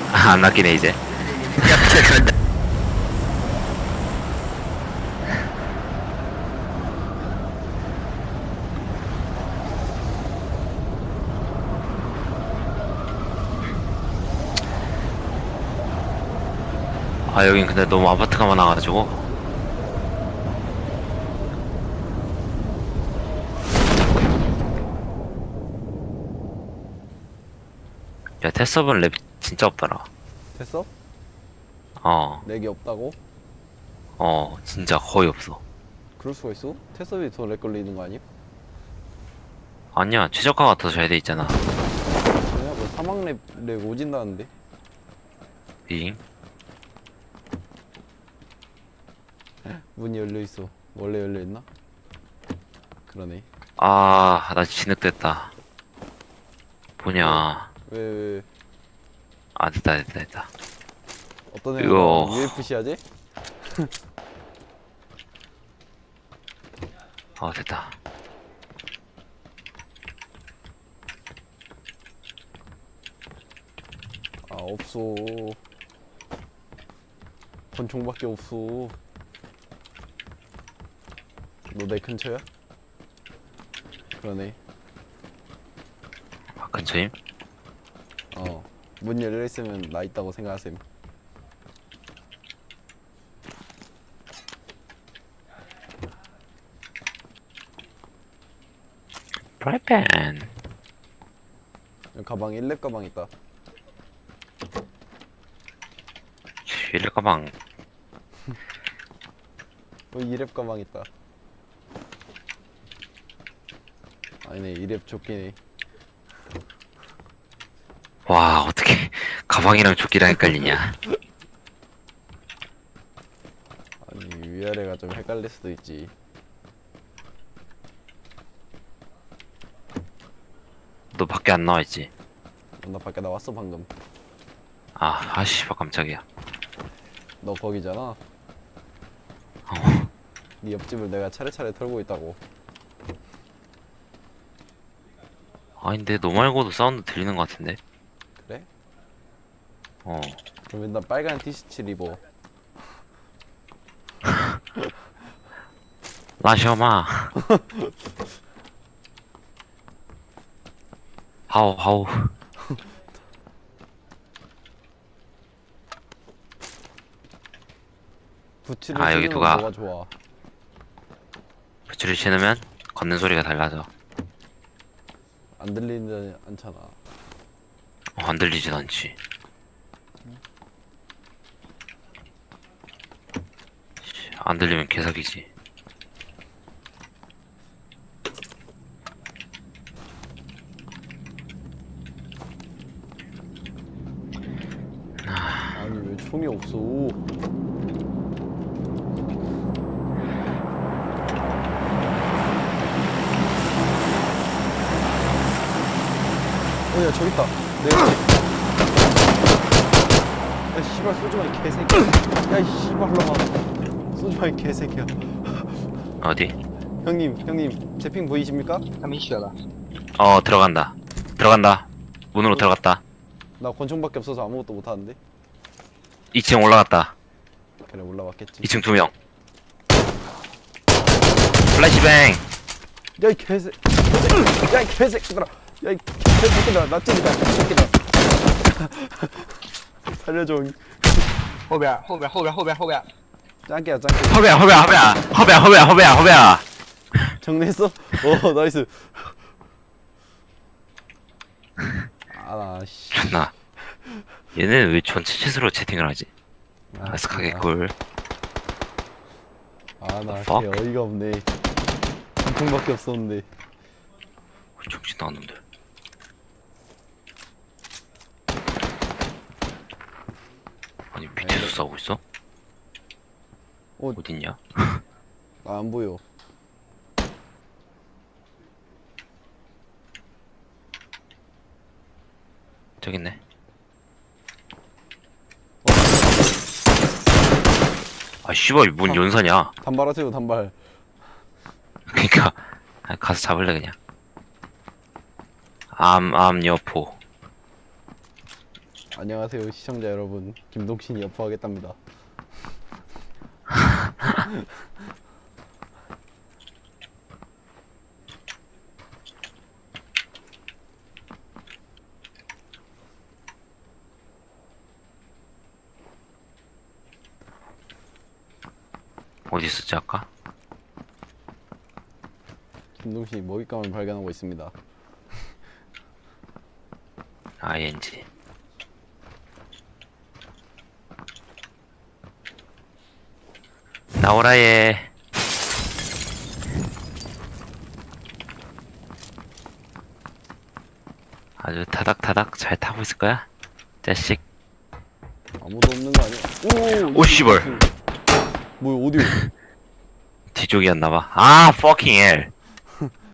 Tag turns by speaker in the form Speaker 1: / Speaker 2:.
Speaker 1: 안 낚이네 이제. 아 여긴 근데 너무 아파트가 많아가지고. 야 테스업은 랩 진짜 없더라.
Speaker 2: 됐어?
Speaker 1: 어,
Speaker 2: 렉이 없다고?
Speaker 1: 진짜 거의 없어.
Speaker 2: 그럴 수가 있어? 테스업이 더 렉 걸리는 거 아님?
Speaker 1: 아니야, 최저가가 더 잘 돼 있잖아.
Speaker 2: 그냥 뭐 사막 렉 오진다는데?
Speaker 1: 빙.
Speaker 2: 문이 열려 있어. 원래 열려 있나? 그러네.
Speaker 1: 아, 나 진흙됐다. 뭐냐.
Speaker 2: 왜
Speaker 1: 아, 됐다.
Speaker 2: 어떤 애가
Speaker 1: 이거.
Speaker 2: UFC 하지?
Speaker 1: 됐다.
Speaker 2: 아 없어. 권총밖에 없어. 너 내 근처야? 그러네.
Speaker 1: 아, 근처임?
Speaker 2: 문 열려 있으면 나 있다고 생각하셈.
Speaker 1: 프라이팬.
Speaker 2: 여기 가방 1렙 가방 있다.
Speaker 1: 일레 가방.
Speaker 2: 2렙 가방 있다. 아니네 2렙 조끼네.
Speaker 1: 와, 어떻게 가방이랑 조끼랑 헷갈리냐.
Speaker 2: 아니 위아래가 좀 헷갈릴 수도 있지.
Speaker 1: 너 밖에 안 나와 있지?
Speaker 2: 나 밖에 나왔어 방금.
Speaker 1: 아, 씨발 깜짝이야.
Speaker 2: 너 거기잖아. 네 옆집을 내가 차례차례 털고 있다고.
Speaker 1: 아닌데 너 말고도 사운드 들리는 것 같은데?
Speaker 2: 그래?
Speaker 1: 어.
Speaker 2: 그럼 일단 빨간 티셔츠 입어.
Speaker 1: 라셔마. 하오.
Speaker 2: 부츠를
Speaker 1: 아, 여기
Speaker 2: 신으면
Speaker 1: 누가-
Speaker 2: 뭐가 좋아?
Speaker 1: 부츠를 신으면 걷는 소리가 달라져.
Speaker 2: 안 들리지 않잖아.
Speaker 1: 안 들리진 않지. 안 들리면 개사기지.
Speaker 2: 아니 왜 총이 없어? 야 저기 있다. 내 옆에. 야 씨발 쏘지마 이 개새끼야. 야이 씨발놈아. 쏘지마 이 개새끼야.
Speaker 1: 어디?
Speaker 2: 형님 제 핑 보이십니까?
Speaker 3: 他没血了。
Speaker 1: 들어간다. 문으로 들어갔다.
Speaker 2: 나 권총밖에 없어서 아무것도 못하는데.
Speaker 1: 2층 올라갔다.
Speaker 2: 그래 올라왔겠지.
Speaker 1: 2층 2명. 플래시뱅.
Speaker 2: 야이 개새. 야이 개새끼들아. 야이 개새끼들아. 나 찐이다. 개새끼들아. 살려줘.
Speaker 3: 后边。
Speaker 2: 짱깨야.
Speaker 1: 허배야.
Speaker 2: 정리했어? 오 나이스. 아나 씨.
Speaker 1: 존나. 얘는 왜 전체 채수로 채팅을 하지? 아스카게 꿀.
Speaker 2: 아나
Speaker 1: Fuck?
Speaker 2: 개 어이가 없네. 권총밖에 없었는데.
Speaker 1: 정신 나간 놈들. 아니 밑에서 싸우고 있어?
Speaker 2: 어.
Speaker 1: 어딨냐?
Speaker 2: 나 안 보여.
Speaker 1: 저기 있네. 아 씨발 뭔 연사냐?
Speaker 2: 단발하세요 단발.
Speaker 1: 그니까 가서 잡을래 그냥. 암 여포.
Speaker 2: 안녕하세요 시청자 여러분, 김동신이 여포하겠답니다.
Speaker 1: 어디 있었지 아까?
Speaker 2: 김동신이 먹잇감을 발견하고 있습니다.
Speaker 1: ING. 나오라 얘. 아주 타닥타닥 잘 타고 있을 거야? 자식.
Speaker 2: 아무도 없는 거 아니야?
Speaker 1: 오, 씨발.
Speaker 2: 뭐야 어디요?
Speaker 1: 뒤쪽이었나봐. 아, fucking hell.